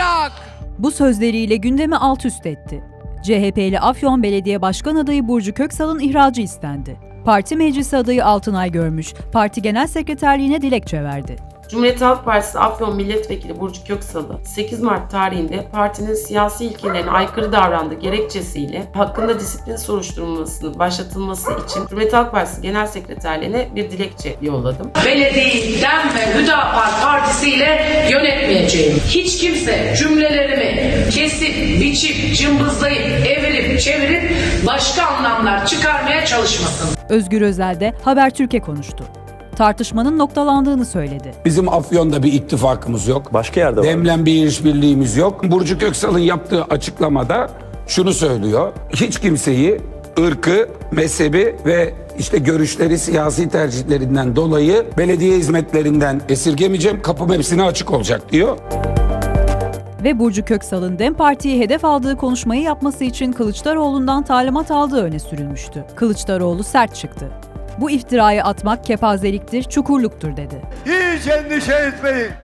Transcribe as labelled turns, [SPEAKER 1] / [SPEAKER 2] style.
[SPEAKER 1] olacak.
[SPEAKER 2] Bu sözleriyle gündemi alt üst etti. CHP'li Afyon Belediye Başkan adayı Burcu Köksal'ın ihracı istendi. Parti meclisi adayı Altınay Görmüş, parti genel sekreterliğine dilekçe verdi.
[SPEAKER 3] Cumhuriyet Halk Partisi Afyon Milletvekili Burcu Köksal'ı 8 Mart tarihinde partinin siyasi ilkelerine aykırı davrandığı gerekçesiyle hakkında disiplin soruşturmasının başlatılması için Cumhuriyet Halk Partisi Genel Sekreterliğine bir dilekçe yolladım.
[SPEAKER 4] Belediyeyi DEM ve Hüdapar Partisi ile yönetmeyeceğim. Hiç kimse cümlelerimi kesip, biçip, cımbızlayıp, evirip, çevirip başka anlamlar çıkarmaya çalışmasın.
[SPEAKER 2] Özgür Özel de Habertürk'e konuştu. Tartışmanın noktalandığını söyledi.
[SPEAKER 5] Bizim Afyon'da bir ittifakımız yok.
[SPEAKER 6] Başka yerde var.
[SPEAKER 5] Demlen bir işbirliğimiz yok. Burcu Köksal'ın yaptığı açıklamada şunu söylüyor. Hiç kimseyi ırkı, mezhebi ve işte görüşleri, siyasi tercihlerinden dolayı belediye hizmetlerinden esirgemeyeceğim. Kapım hepsine açık olacak diyor.
[SPEAKER 2] Ve Burcu Köksal'ın DEM Parti'ye hedef aldığı konuşmayı yapması için Kılıçdaroğlu'ndan talimat aldığı öne sürülmüştü. Kılıçdaroğlu sert çıktı. Bu iftirayı atmak kepazeliktir, çukurluktur dedi.
[SPEAKER 1] Hiç endişe etmeyin.